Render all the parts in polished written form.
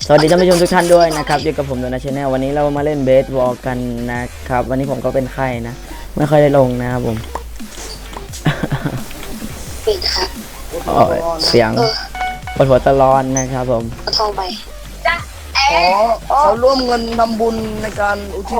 สวัสดีท่านผู้ชมทุกท่านด้วยนะครับอยู่กับผมโดนัทชาแนลวันนี้เรามาเล่นเบสบอลกันนะครับวันนี้ผมก็เป็นไข้นะไม่ค่อยได้ลงนะครับผมปิดครับเสียงปวดหัวตลอดนะครับผมเอาทองไปเขาร่วมเงินทำบุญในการอุทิศ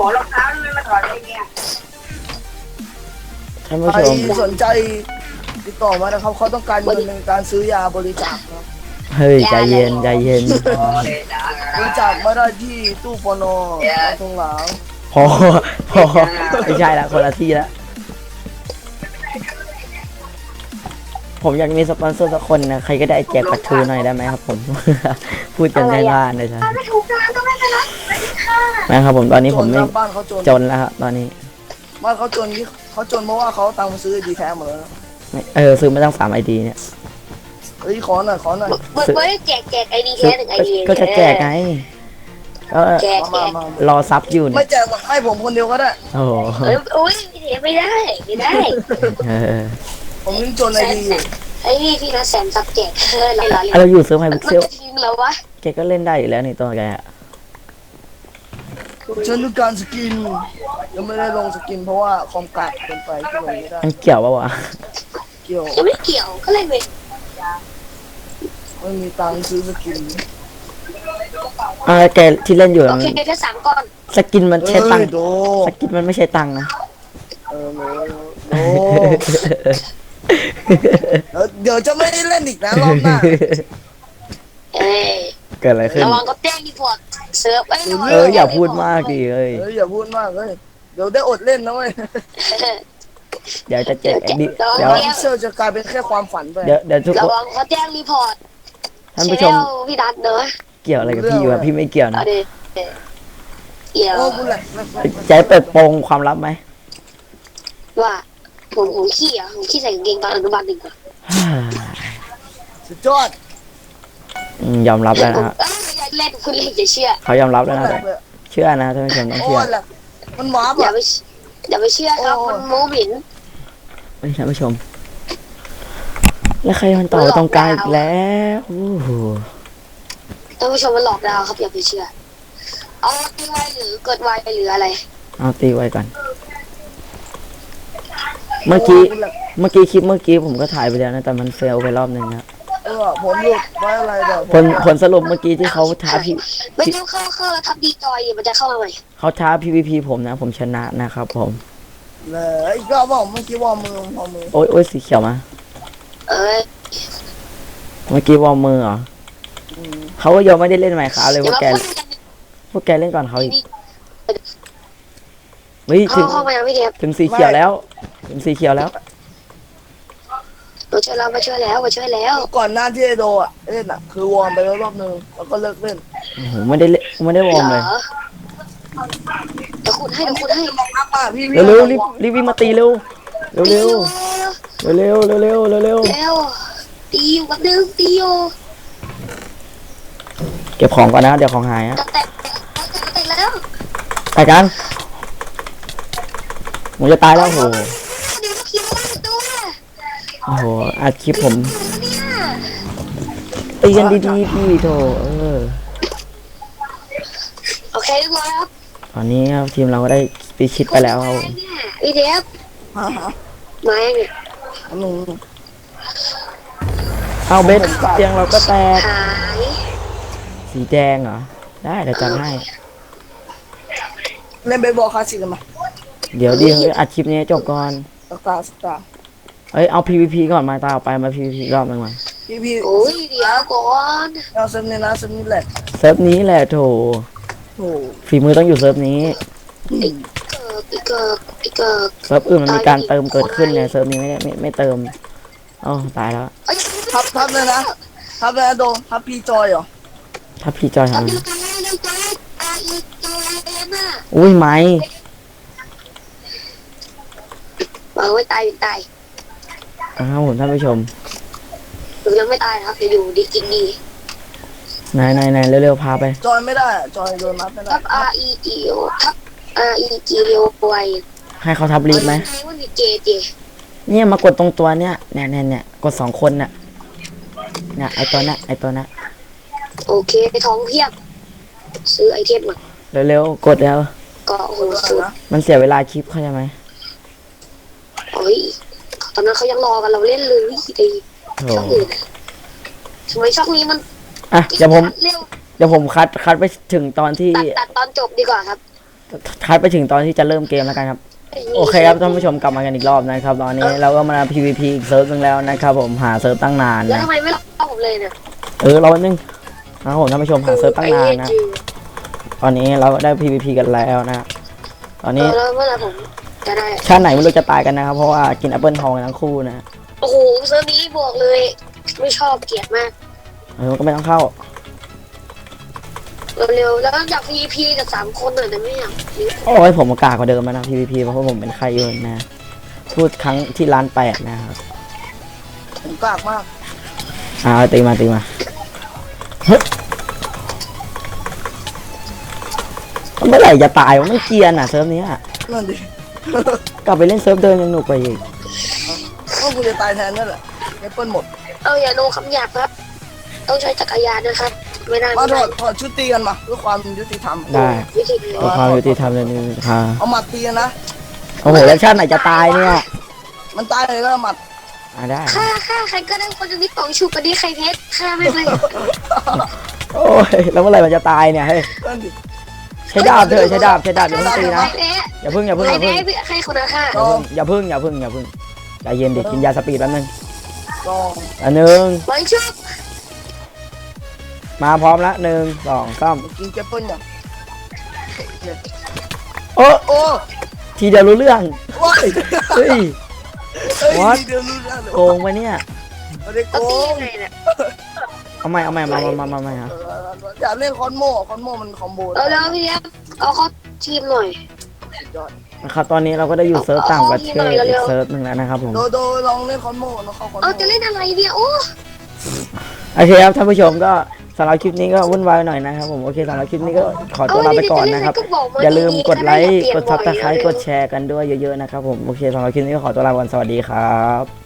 ท่านผู้ใครชมสนใจติดต่อมานะครับเขาต้องการเงินในการซื้อยาบริจาคครับเฮ้ยใจเย็นใจเย็นบริจาคมาได้ที่ตู้ปนตรงหลังพอไม่ใช่ละคนละที่ละผมอยากมีสปอนเซอร์สักคนนะใครก็ได้แจกปัตทูหน่อยได้ไหมครับผม พูดกันง่ายๆเลยจ้ะไม่ถูกทางก็ไม่เป็นไรค่ะนะครับผมตอนนี้ผมไม่จนครับบ้านเขาจนจนแล้วครับตอนนี้บ้านเขาจนที่เขาจนเพราะว่าเขาตังค์ซื้อดีแท้หมดแล้วซื้อมาตั้ง3 ID เนี่ยเฮ้ยขอหน่อยเบิร์ดแจกไอดีแค่1 ID ก็จะแจกไงก็แจกมารอซับอยู่ไม่เนี่ยแจกหรอกให้ผมคนเดียวก็ได้โอ้โหอุ้ยไม่ได้เออผมยังจนไอดีอยู่ไอ้นี่พี่นะแสนซับแจกเราเราอยู่เซิร์ฟไฮพิกเซลทิ้งแล้ววะแกก็เล่นได้อยู่แล้วนี่ตัวแกอะฉันต้องการสกินยังไม่ได้ลงสกินเพราะว่าคอมกากเกินไปที่ลงไม่ได้มันเกี่ยวปะวะเกี่ยวยังไม่เกี่ยวก็เล่นไปไม่มีตังค์ซื้อสกินแกที่เล่นอยู่โอเคแค่3 ก้อนสกินมันใช้ตังค์โดสกินมันไม่ใช่ตังค์นะโดเดี๋ยวจะไม่ได้เล่นอีกนะรอบหน้าเอ้ยเกิดอะไรขึ้นระวังก็แจ้งรีพอร์ตเซิร์ฟไอ้อย่าพูดมากดิเอ้ยอย่าพูดมากเลยเดี๋ยวได้อดเล่นนะเว้ยเดี๋ยวจะแจกดิเดี๋ยวเซอร์จะกลายเป็นแค่ความฝันไปเดี๋ยวทุกระคนวังเขาแจ้งรีพอร์ตท่านผู้ชมพี่ดัดเนอะเกี่ยวอะไรกับพี่วะพี่ไม่เกี่ยวเอานะดิเกี่ยวโอ้บุญแหละใจเปิดโปงความลับไหมว่าผมขี้ใส่กางเกงตอนอนุบาล1ก่อนสุดยอดยอมรับแล้วนะฮะเล่นคุณเล่นจะเชื่อเขายอมรับแล้วนะแหลแต่กเลยเชื่อนะท่านผู้ชมต้องโอ้เชื่อแหลกมันหวาบอย่าอ่ะไปอย่าไปเชื่อครับมันโมบินท่านผู้ชม แล้วใครมันต่อตรงกลางอีกแล้วโอ้โหท่านผู้ชมมันหลอกเราครับอย่าไปเชื่อเอาตีไวหรือเกิดไวหรืออะไรเอาตีไว้ก่อน เมื่อกี้คลิปเมื่อกี้ผมก็ถ่ายไปแล้วนะแต่มันเฟลไปรอบหนึ่งนะผลหลุดไว้อะไรเดี๋ยวผลสรุปเมื่อกี้ที่เขาท้าพี่ไม่ต้องเข้าแล้วทับดีจอยมันจะเข้ามาใหม่เขาท้า PVP ผมนะ ผมชนะนะครับผมเลยอีกรอบบอกเมื่อกี้วอร์มมือวอร์มมือโอ้ยสีเขียวมาเอ้ยเมื่อกี้วอร์มมือเหรอเขาก็ยังไม่ได้เล่นใหม่ขาเลยอย่ามาพูดพวกแกเล่นก่อนเขาอีกเฮ้ยถึงเข้ามายังไม่เดียบถึงสีเขียวแล้ว ถึงสีเขียวแล้วมาช่วยเรามาช่วยแล้วก่อนหน้าที่ไอโดอ่ะเล่นอ่ะคือวอร์มไปแล้วรอบนึงแล้วก็เลิกเล่นโอ้โหไม่ได้เล่นไม่ได้วอร์มเลยเดี๋ยวคุณให้อัพอ่ะพี่เร็วรีบวิ่งมาตีเร็วเร็วเร็วเร็วเร็วตีอยู่กับดึงตีอยู่เก็บของก่อนนะเดี๋ยวของหายอะจะแตกแล้วไปกันผมจะตายแล้วโอ้โหเดี๋ยวคิวตัวโอ้โหอัดคลิปผมเนี่ยตีกันดีๆพี่โถโอเคเรียบร้อยครับตอนนี้ครับทีมเราก็ได้ปีชิดไปแล้วครับผมพี่เทปฮะมาอย่างเนี่ยหนูเอาเบสเตียงเราก็แตกหายสีแดงเหรอได้เดี๋ยวจัดให้เล่นเบสบอลคลาสสิกกันมาเดี๋ยวอัดคลิปนี้จบก่อนสตาร์เอ้ยเอา PVP ก่อนมาตาออกไปมา PVP รอบหนึงมาพี่โอ้ยเดี๋ยวก่อนเอาเซมนี่นะเซมนี่แหละเซิร์ฟนี้แหละโถโอ้ฝีมือต้องอยู่เซิร์ฟนี้อีกเกิดเซิร์ฟอื่นมันมีการเติมเกิดขึ้นเนี่ยเซิร์ฟนี้ไม่เติมเอ้าตายแล้วทับเลยนะทับเลยนะโดทับพี่จอยเหรอถ้าพี่จอยทำทำเร็วกันอีกตัวเอ็มอ่ะอุ้ยไม้บอกไว้ตายครับผมท่านผู้ชมหรือยังไม่ตายครับอยู่ดีกินดีไหนเร็วๆพาไปจอยไม่ได้อะจอยโดนนับไม่ได้ทับ R E G O ทับ R E G O Y ให้เขาทับลีดไหมว่ามีเจเจเนี่ยมากดตรงตัวเนี่ยกด2 คนเนี่ยไอตัวน่ะโอเคท้องเพียบซื้อไอเทมก่อนเร็วๆกดแล้วก็โอ้โหสุดมันเสียเวลาคลิปเข้าใจไหมโอ้ยตอนนั้นเขายังรอกันเราเล่นเลยดีโถช่องอื่นอะทำไมช่องนี้มันอ่ะเดี๋ยวผมเร็วคัดไปถึงตอนที่ตัดตอนจบดีกว่าครับคัดไปถึงตอนที่จะเริ่มเกมแล้วกันครับโอเคครับท่านผู้ชมกลับมากันอีกรอบนะครับตอนนี้เราก็มา PVP อีกเซิร์ฟนึงแล้วนะครับผมหาเซิร์ฟตั้งนานแล้วนะทำไมไม่รอผมเลยเนี่ยรอแป๊บนึงนะครับผมท่านผู้ชมหาเซิร์ฟตั้งนานนะตอนนี้เราได้ PVP กันแล้วนะตอนนี้แล้วเมื่อไหร่ผมจะได้ชาติไหนไม่รู้จะตายกันนะครับเพราะว่ากินแอปเปิลทองกันทั้งคู่นะโอ้โหเซิร์ฟนี้บอกเลย ไม่ชอบเกลียดมากก็ไม่ต้องเข้าเร็วๆแล้วอยาก PVP กับ3 คนหน่อยนะไม่อยากโอ้ยผมกากกว่าเดิมแล้วนะ PVP เพราะว่าผมเป็นใครเยอะนะพูดครั้งที่ร้าน8นะครับผมกากมากตีมาเฮ้ยเมื่อไหร่จะตายวะไม่เกรียนอ่ะเซิร์ฟนี้อะนั่นดิกลับไปเล่นเซิร์ฟเดิมยังหนุกกว่าอีกก็กูจะตายแทนนั่นแหละแอปเปิลหมดอย่าโนคำหยาบครับ ต้องใช้จักรยานนะครับ ไม่ได้มาไม่ถได้อดชุดตีกันมาเพื่อความยุติธรรมได้วิธีนี้ขอความยุติธรรมเลยนี่ค่ะเอาหมัดตีกันนะโอ้โหแล้วชาติไหนจะตายเนี่ยมันตายเลยก็หมัดได้ฆ่าใครก็ได้คนจะนิดป่องชูกันดีใครเพชรฆ่าไม่เลยโอ้ยแล้วเมื่อไหร่มันจะตายเนี่ยเฮ้ยนั่นดิใช้ดาบเถอะใช้ดาบอย่าเพิ่งตีนะใครแพ้อย่าเพิ่งใครแพ้ใครคนละฆ่าอย่าเพิ่งใจเย็นดิกินยาสปีดแป๊บนึงลองอันหนึ่งไว้ชุบมาพร้อมละ1 2 3 กินแอปเปิลอย่างโอ้โอ้ทีเดียวรู้เรื่องว้ายเฮ้ย What? เดี๋ยวรู้แล้วเลยโกงไปเนี่ยไม่ได้โกต้องตีงยังไงเนี่ยเอาใหม่มาฮะอยากเล่นคอนโมมันคอมโบแล้วพี่เลี้ยเอาเข้าทีมหน่อยยอดนะครับตอนนี้เราก็ได้อยู่เซิร์ฟต่างประเทศอีกเซิร์ฟหนึ่งแล้วนะครับผมโดลองเล่นคอนโมแล้วเข้าคอนโมจะเล่นอะไรเนี่ยโอ้โอเคครับท่านผู้ชมก็สำหรับคลิปนี้ก็วุ่นวายหน่อยนะครับผมโอเคสำหรับคลิปนี้ก็ขอตัวลาไปก่อนนะครับอย่าลืมกดไลค์กดซับสไครต์กดแชร์กันด้วยเยอะๆนะครับผมโอเคสำหรับคลิปนี้ก็ขอตัวลาไปก่อนสวัสดีครับ